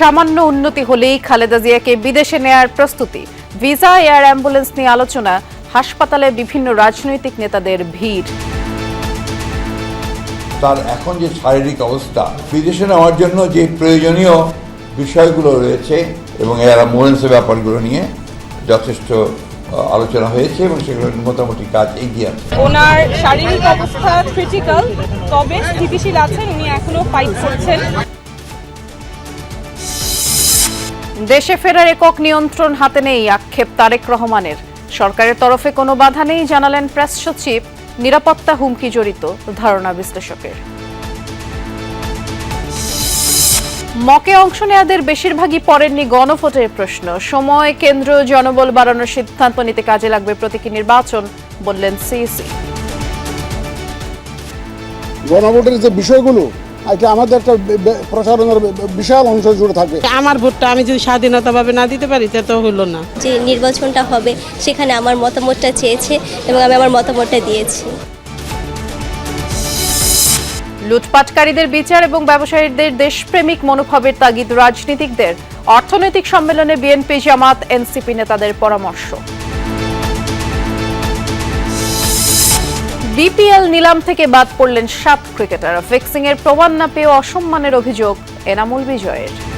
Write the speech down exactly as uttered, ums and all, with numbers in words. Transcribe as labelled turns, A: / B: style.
A: সামান্য উন্নতি হলেই খালেদা জিয়াকে বিদেশে নেয়ার প্রস্তুতি। ভিসা, এয়ার অ্যাম্বুলেন্স নিয়ে আলোচনা, হাসপাতালে বিভিন্ন রাজনৈতিক নেতাদের ভিড়।
B: তার এখন যে শারীরিক অবস্থা, বিদেশে নেওয়ার জন্য যে প্রয়োজনীয় বিষয়গুলো রয়েছে এবং এয়ার অ্যাম্বুলেন্সের ব্যাপারগুলো নিয়ে যথেষ্ট আলোচনা হয়েছে এবং সেগুলো মোটামুটি কাজ এগিয়ে আছে।
C: ওনার শারীরিক অবস্থা ক্রিটিক্যাল, তবে স্থিতিশীল আছেন, উনি এখনো ফাইট করছেন।
A: দেশে ফেরার একক নিয়ন্ত্রণ হাতে নেই, আক্ষেপ তারেক রহমানের। সরকারের তরফে কোনো বাধা নেই জানালেন প্রেস সচিব। নিরাপত্তা হুমকি জড়িত ধারণা বিশ্লেষকের। মকে অংশ নেয়াদের বেশিরভাগই পড়েননি গণভোটের প্রশ্ন। সময়, কেন্দ্র, জনবল বাড়ানোর সিদ্ধান্ত নিতে কাজে লাগবে প্রতীকী নির্বাচন, বললেন সিইসি।
D: গণভোটের যে বিষয়গুলো এটা আমাদের একটা প্রচারণার বিশাল অংশ জুড়ে থাকে।
E: আমার ভোটটা আমি যদি স্বাধীনতাভাবে না দিতে পারি তা তো হলো না।
F: যে নির্বাচনটা হবে সেখানে আমার মতামতটা চেয়েছে এবং আমি আমার মতামতটা দিয়েছি।
A: লুটপাটকারীদের বিচার এবং ব্যবসায়ীদের দেশপ্রেমিক মনোভাবের তাগিদ রাজনীতিকদের। অর্থনৈতিক সম্মেলনে বিএনপি, জামাত, এনসিপি নেতাদের পরামর্শ। বিপিএল নিলাম থেকে বাদ পড়লেন সাত ক্রিকেটার। ফিক্সিং এর প্রমাণ না পেয়ে অসম্মানের অভিযোগ এনামুল বিজয়ের।